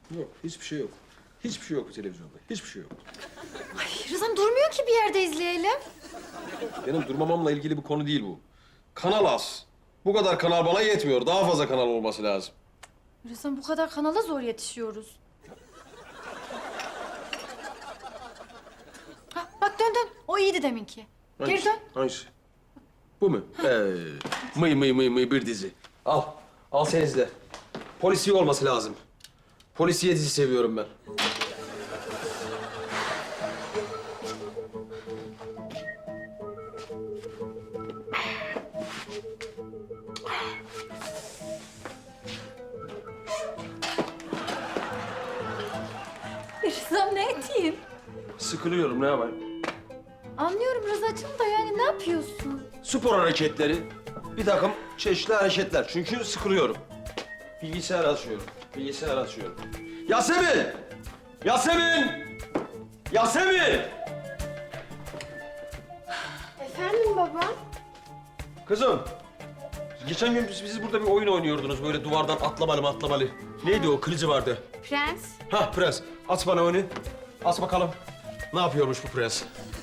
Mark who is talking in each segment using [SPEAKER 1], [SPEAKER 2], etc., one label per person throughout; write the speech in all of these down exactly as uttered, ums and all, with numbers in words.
[SPEAKER 1] Yok, hiçbir şey yok. Hiçbir şey yok televizyonda. Hiçbir şey yok.
[SPEAKER 2] Ay Rıza'm durmuyor ki bir yerde izleyelim.
[SPEAKER 1] Benim durmamamla ilgili bir konu değil bu. Kanal az. Bu kadar kanal bana yetmiyor. Daha fazla kanal olması lazım.
[SPEAKER 2] Rıza'm bu kadar kanala zor yetişiyoruz. Ha, bak dön dön. O iyiydi deminki. Geri
[SPEAKER 1] Hangisi?
[SPEAKER 2] dön.
[SPEAKER 1] Hangisi? Bu mu? Ee, mıy mıy mıy mıy bir dizi. Al. Al sen izle. Polisiye olması lazım. Polisiye dizi seviyorum ben.
[SPEAKER 2] Rıza'm ne edeyim?
[SPEAKER 1] Sıkılıyorum, ne yapayım?
[SPEAKER 2] Anlıyorum Rıza'cığım da yani ne yapıyorsun?
[SPEAKER 1] Spor hareketleri, bir takım çeşitli hareketler. Çünkü sıkılıyorum. Bilgisayar açıyorum, bilgisayar açıyorum. Yasemin! Yasemin! Yasemin!
[SPEAKER 2] Efendim baba?
[SPEAKER 1] Kızım, geçen gün biz, biz burada bir oyun oynuyordunuz. Böyle duvardan atlamalı mı atlamalı. Neydi o? Kılıcı vardı.
[SPEAKER 2] Prens.
[SPEAKER 1] Ha prens. At bana onu. At bakalım. Ne yapıyormuş bu prens?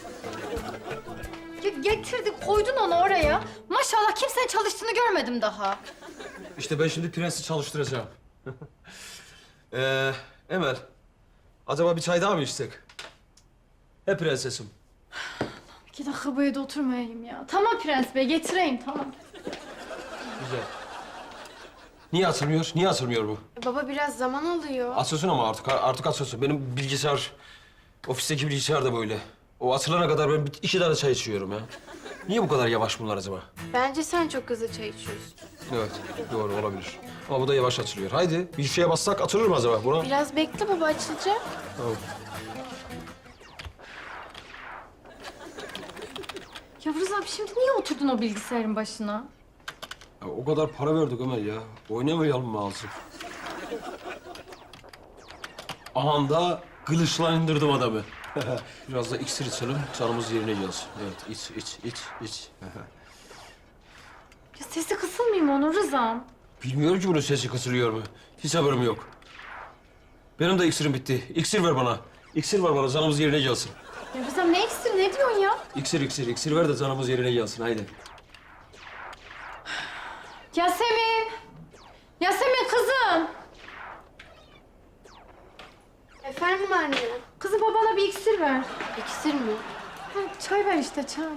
[SPEAKER 2] Ya getirdik koydun onu oraya. Maşallah kimsenin çalıştığını görmedim daha.
[SPEAKER 1] İşte ben şimdi prensi çalıştıracağım. ee, Emel, acaba bir çay daha mı içsek? He prensesim.
[SPEAKER 2] İki dakika bu evde oturmayayım ya. Tamam Prens Bey getireyim tamam.
[SPEAKER 1] Güzel. Niye açılmıyor? Niye açılmıyor bu?
[SPEAKER 3] Baba biraz zaman alıyor.
[SPEAKER 1] Açılsın ama artık artık açılsın. Benim bilgisayar, ofisteki bilgisayar da böyle. O açılana kadar ben bir- iki tane çay içiyorum ya. Niye bu kadar yavaş bunlar acaba?
[SPEAKER 3] Bence sen çok hızlı çay içiyorsun.
[SPEAKER 1] Evet, doğru olabilir. Ama bu da yavaş açılıyor. Haydi bir şeye bassak açılır mı acaba buna?
[SPEAKER 3] Biraz bekle baba açılacak.
[SPEAKER 1] Tamam.
[SPEAKER 2] Ya Rıza abi şimdi niye oturdun o bilgisayarın başına?
[SPEAKER 1] Ya o kadar para verdik Ömer ya. Oynamayalım mı azıcık? Ahanda kılıçla indirdim adamı. Biraz da iksir içelim, canımız yerine gelsin. Evet, iç, iç, iç, iç.
[SPEAKER 2] Ya sesi kısılmıyor mu onun Rıza'm?
[SPEAKER 1] Bilmiyorum ki bunun sesi kısılıyor mu. Hiç haberim yok. Benim de iksirim bitti. İksir ver bana. İksir ver bana, canımız yerine gelsin.
[SPEAKER 2] Ya Rıza'm ne iksir ne diyorsun ya?
[SPEAKER 1] İksir, iksir, iksir ver de canımız yerine gelsin. Haydi.
[SPEAKER 2] Yasemin! Yasemin kızım!
[SPEAKER 3] Efendim anne.
[SPEAKER 2] Kızım babana bir iksir ver.
[SPEAKER 3] İksir mi?
[SPEAKER 2] Ha, çay ver işte çay.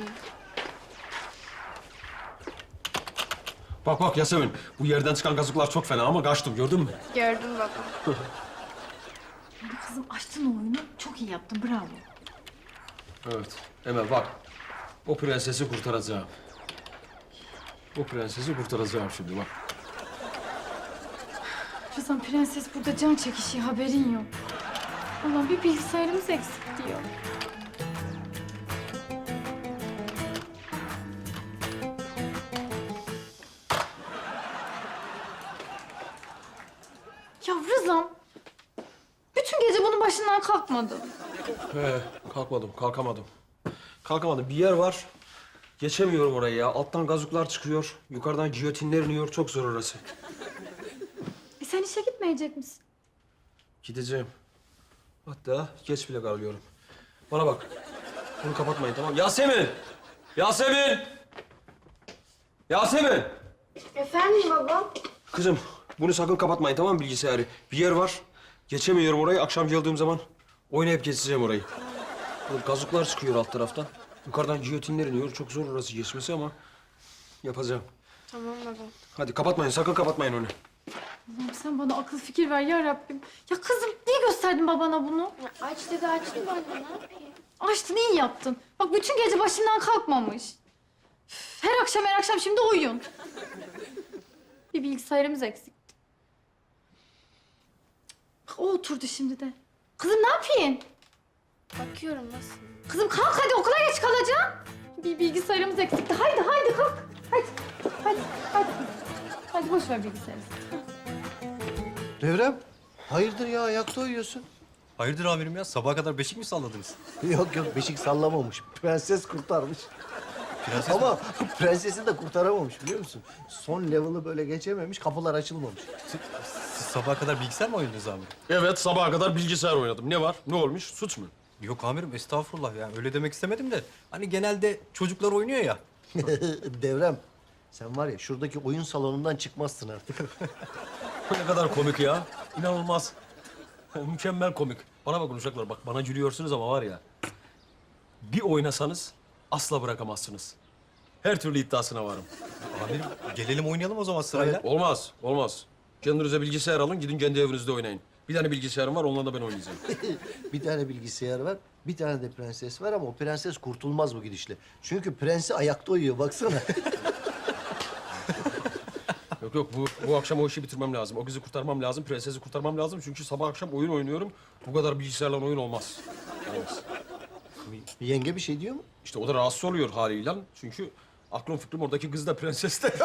[SPEAKER 1] Bak bak Yasemin, bu yerden çıkan gazıklar çok fena ama kaçtım, gördün mü?
[SPEAKER 3] Gördüm baba.
[SPEAKER 2] Kızım açtın o oyunu. Çok iyi yaptın bravo.
[SPEAKER 1] Evet, Emel bak. O prensesi kurtaracağım. O prensesi kurtaracağım şimdi bak.
[SPEAKER 2] Rıza'm prenses burada can çekişiyor haberin yok. Allah'ım bir bilgisayarımız eksik diyor. Ya Rıza'm bütün gece bunun başından kalkmadım.
[SPEAKER 1] He, kalkmadım, kalkamadım. Kalkamadım. Bir yer var. Geçemiyorum orayı ya. Alttan gazuklar çıkıyor. Yukarıdan giyotinler iniyor. Çok zor orası.
[SPEAKER 2] E sen işe gitmeyecek misin?
[SPEAKER 1] Gideceğim. Hatta geç bile kalıyorum. Bana bak. Bunu kapatmayın tamam mı? Yasemin! Yasemin! Yasemin!
[SPEAKER 3] Efendim baba.
[SPEAKER 1] Kızım bunu sakın kapatmayın tamam mı bilgisayarı? Bir yer var. Geçemiyorum orayı. Akşam geldiğim zaman oynayıp geçeceğim orayı. Böyle gazuklar çıkıyor alt taraftan. Yukarıdan giyotinler iniyor. Çok zor orası geçmesi ama yapacağım.
[SPEAKER 3] Tamam baba.
[SPEAKER 1] Hadi kapatmayın. Sakın kapatmayın onu.
[SPEAKER 2] Allah'ım sen bana akıl fikir ver ya Rabbim. Ya kızım niye gösterdin babana bunu?
[SPEAKER 3] Ya aç dedi açtım anne ne yapayım?
[SPEAKER 2] Açtın iyi yaptın. Bak bütün gece başından kalkmamış. Üf, her akşam her akşam şimdi oyun. Bir bilgisayarımız eksikti. Bak o oturdu şimdi de. Kızım ne yapayım?
[SPEAKER 3] Bakıyorum nasıl?
[SPEAKER 2] Kızım kalk hadi okula geç kalacaksın. Bir bilgisayarımız eksikti. Haydi haydi kalk. Hadi. Hadi. Hadi. Hadi boş ver bilgisayarı.
[SPEAKER 4] Devrem, hayırdır ya ayakta uyuyorsun?
[SPEAKER 5] Hayırdır amirim ya? Sabaha kadar beşik mi salladınız?
[SPEAKER 4] Yok yok beşik sallamamış. Prenses kurtarmış.
[SPEAKER 5] Prenses
[SPEAKER 4] Ama prensesi de kurtaramamış biliyor musun? Son level'ı böyle geçememiş, kapılar açılmamış.
[SPEAKER 5] Siz sabaha kadar bilgisayar mı oynadınız amirim?
[SPEAKER 1] Evet, sabaha kadar bilgisayar oynadım. Ne var? Ne olmuş? Suç mu?
[SPEAKER 5] Yok amirim, estağfurullah. Yani öyle demek istemedim de. Hani genelde çocuklar oynuyor ya.
[SPEAKER 4] Devrem, sen var ya şuradaki oyun salonundan çıkmazsın artık.
[SPEAKER 1] Ne kadar komik ya. İnanılmaz. Mükemmel komik. Bana bakın uşaklar, bak bana gülüyorsunuz ama var ya... ...bir oynasanız asla bırakamazsınız. Her türlü iddiasına varım.
[SPEAKER 5] Amirim, gelelim oynayalım o zaman sırayla.
[SPEAKER 1] Olmaz, olmaz. Kendinize bilgisayar alın, gidin kendi evinizde oynayın. Bir tane bilgisayarım var, onunla da ben oynayacağım.
[SPEAKER 4] Bir tane bilgisayar var, bir tane de prenses var ama o prenses kurtulmaz bu gidişle. Çünkü prensi ayakta uyuyor, baksana.
[SPEAKER 1] Yok yok, bu, bu akşam o işi bitirmem lazım. O kızı kurtarmam lazım, prensesi kurtarmam lazım. Çünkü sabah akşam oyun oynuyorum. Bu kadar bilgisayarla oyun olmaz. Olmaz.
[SPEAKER 4] Yenge bir şey diyor mu?
[SPEAKER 1] İşte o da rahatsız oluyor haliyle. Çünkü aklım fikrim oradaki kız da prenses de.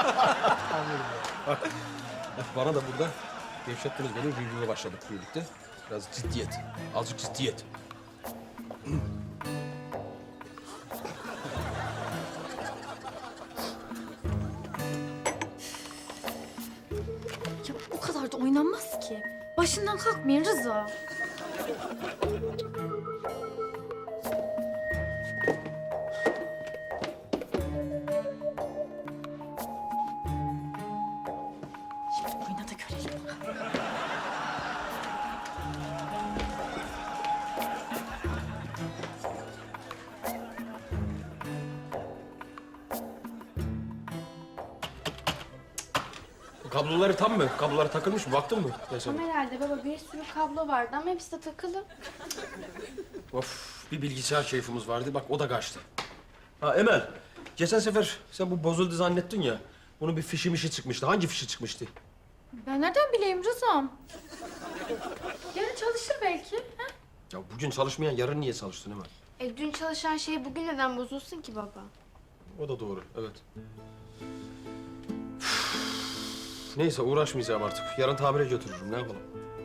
[SPEAKER 1] Bak, bana da burada gevşettiniz beni. Review'a başladık birlikte. Biraz ciddiyet. Azıcık ciddiyet.
[SPEAKER 2] Ya o kadar da oynanmaz ki. Başından kalkmayın Rıza. Şimdi oyna da görelim.
[SPEAKER 1] Kabloları tam mı? Kabloları takılmış mı? Baktın mı? Mesela.
[SPEAKER 3] Tam herhalde baba bir sürü kablo vardı ama hepsi de takılı.
[SPEAKER 1] Of, bir bilgisayar keyfimiz vardı. Bak o da kaçtı. Ha Emel, geçen sefer sen bu bozuldu zannettin ya. Bunun bir fişi mişi çıkmıştı. Hangi fişi çıkmıştı?
[SPEAKER 2] Ben nereden bileyim Rıza'm? Yarın çalışır belki. Ha?
[SPEAKER 1] Ya bugün çalışmayan yarın niye çalıştın Emel?
[SPEAKER 3] E dün çalışan şey bugün neden bozulsun ki baba?
[SPEAKER 1] O da doğru, evet. Neyse uğraşmayacağım artık. Yarın tamire götürürüm. Ne yapalım?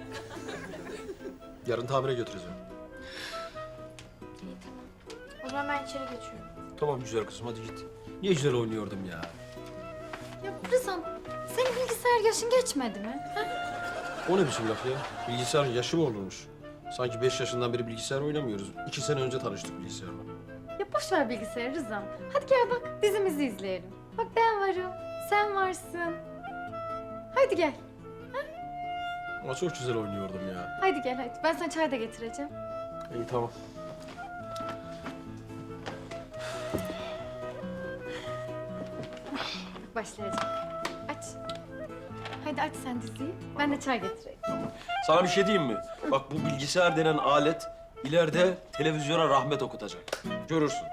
[SPEAKER 1] Yarın tamire götüreceğim.
[SPEAKER 3] İyi tamam. O zaman ben içeri geçiyorum.
[SPEAKER 1] Tamam güzel kızım hadi git. Niye güzel oynuyordum ya?
[SPEAKER 2] Ya Rıza'm senin bilgisayar yaşın geçmedi mi? Ha?
[SPEAKER 1] O ne biçim laf ya? Bilgisayar yaşı mı olurmuş? Sanki beş yaşından beri bilgisayar oynamıyoruz. İki sene önce tanıştık bilgisayarla.
[SPEAKER 2] Ya boş ver bilgisayarı Rıza'm. Hadi gel bak dizimizi izleyelim. Bak ben varım, sen varsın. Haydi gel.
[SPEAKER 1] Ama çok güzel oynuyordum ya.
[SPEAKER 2] Haydi gel hadi. Ben sana çay da getireceğim.
[SPEAKER 1] İyi tamam.
[SPEAKER 2] Başlayacak. Aç. Haydi aç sen diziyi. Ben de çay getireyim.
[SPEAKER 1] Sana bir şey diyeyim mi? Bak bu bilgisayar denen alet ileride televizyona rahmet okutacak. Görürsün.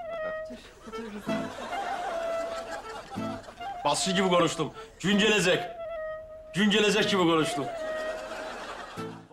[SPEAKER 1] Basçı gibi konuştum. Güncelecek. Güncelecek gibi konuştum.